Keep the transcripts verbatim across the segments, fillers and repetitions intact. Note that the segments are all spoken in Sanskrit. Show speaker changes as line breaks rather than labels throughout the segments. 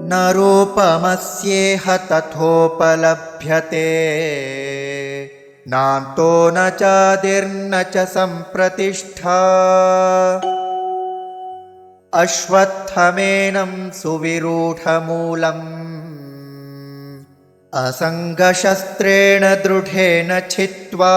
न रूपमस्येह तथोपलभ्यते नान्तो न चादिर्न च सम्प्रतिष्ठा अश्वत्थमेनं सुविरूढमूलम् असङ्गशस्त्रेण दृढेन छित्त्वा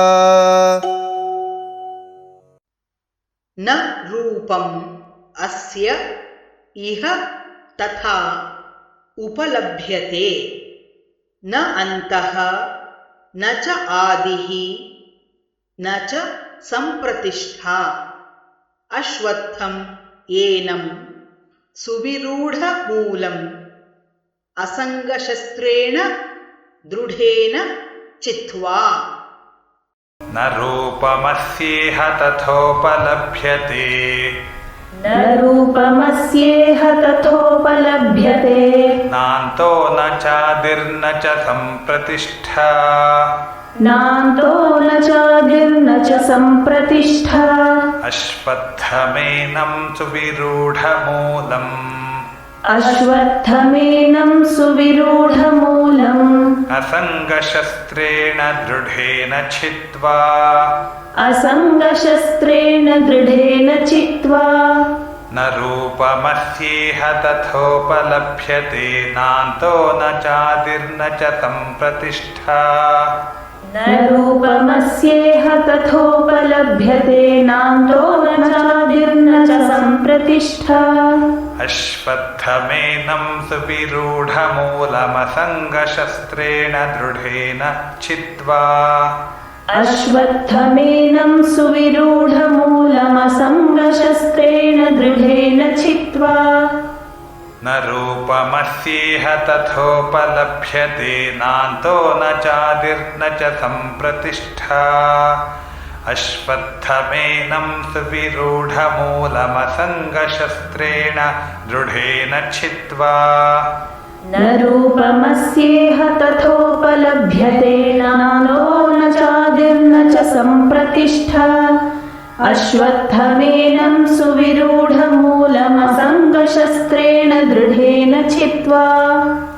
न रूपम् अस्य इह तथा उपलभ्यते न अन्तः न च आदिः न च सम्प्रतिष्ठा अश्वत्थम् एनं सुविरूढमूलम् असङ्गशस्त्रेण दृढेन चित्वा
न रूपमस्येह तथोपलभ्यते
न रूपमस्येह तथोपलभ्यते
नान्तो न चादिर्न च सम्प्रतिष्ठा
नान्तो न चादिर्न च सम्प्रतिष्ठा
अश्वत्थमेनं सुविरूढमूलम्
अश्वत्थमेनं सुविरूढमूलम्
असङ्गशस्त्रेण दृढेन छित्त्वा
असङ्गशस्त्रेण दृढेन चित्वा
न रूपमस्येह तथोपलभ्यते नान्तो न चादिर्न च सम्प्रतिष्ठा
न रूपमस्येह तथोपलभ्यते नान्तो न चादिर्न च सम्प्रतिष्ठा
अश्वत्थमेनं सुविरूढमूलमसङ्गशस्त्रेण दृढेन छित्त्वा
अश्वत्थमेनं सुविरूढमूलमसङ्गशस्त्रेण दृढेन छित्त्वा
न रूपमस्येह तथोपलभ्यते नान्तो न चादिर्न च सम्प्रतिष्ठा अश्वत्थमेनं सुविरूढमूलमसङ्गशस्त्रेण दृढेन छित्त्वा
न रूपमस्येह तथोपलभ्यते नान्तो न चादिर्न च सम्प्रतिष्ठा अश्वत्थमेनं सुविरूढमूलमसङ्गशस्त्रेण दृढेन छित्त्वा